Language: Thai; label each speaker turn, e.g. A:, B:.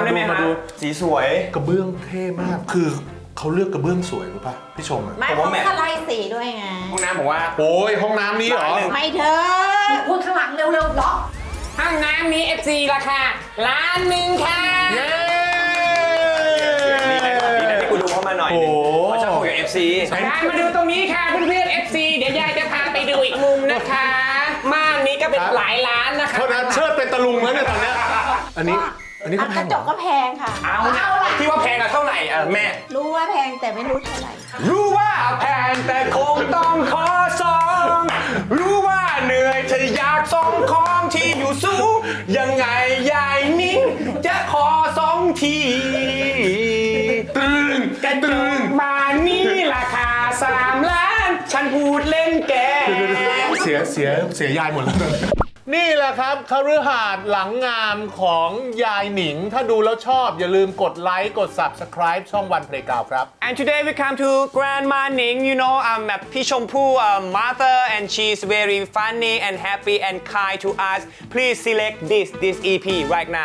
A: ได้ไหมฮะสีสวย
B: กระเบื้องเท่มากคือเขาเลือกกระเบื้องสวยรู้ป่ะพี่ชมอ่ะ
C: ไม่เขาก็ไล่สีด้วยไง
A: ห้องน้ำผมว่า
B: โอ้ยห้องน้ำนี้เหรอ
C: ไม่เธอพูดข้างหลังเร็วๆล็อก
D: ห้องน้ำนี้ FC ราคา1,000,000ค่ะ
B: เย้
A: ดีนะที่กูดูเข้ามาหน่อยนึงเพราะชอบคุยกับ FC
D: การมาดูตรงนี้ค่ะเพื่อนๆ FC เดี๋ยวยายจะพาไปดูอีกมุมนะคะม่านนี้ก็เป็นหลายล้านนะคะ
B: เท่านั้นเชิดเป็นตะลุงแล้วเนี่ยตอนเนี้ยอันนี้ก็แพ
C: กระ
B: ง
C: จกก็แพงค่ะ
A: เอานะที่ว่าแพงอะเท่าไหร่อะแม่
C: รู้ว่าแพงแต่ไม่รู้เท่าไหร่
A: รู้ว่าแพงแต่คงต้องขอสองรู้ว่าเหนื่อยถ้าอยากส่งของที่อยู่สูงยังไงยายนิ้งจะขอสองทีตึงกันตึง
D: บ้านนี้ราคา3 ล้าน ฉันพูดเล่นแก
B: เสียยายหมดแล้วนี่แหละครับคฤหาสน์หลังงามของยายหนิง ถ้าดูแล้วชอบอย่าลืมกดไลค์กด Subscribe ช่องวันเพลย์กาวครับ
A: And today we come to Grandma Ning, you know, Pishampu, mother, and she's very funny and happy and kind to us. Please select this EP right now.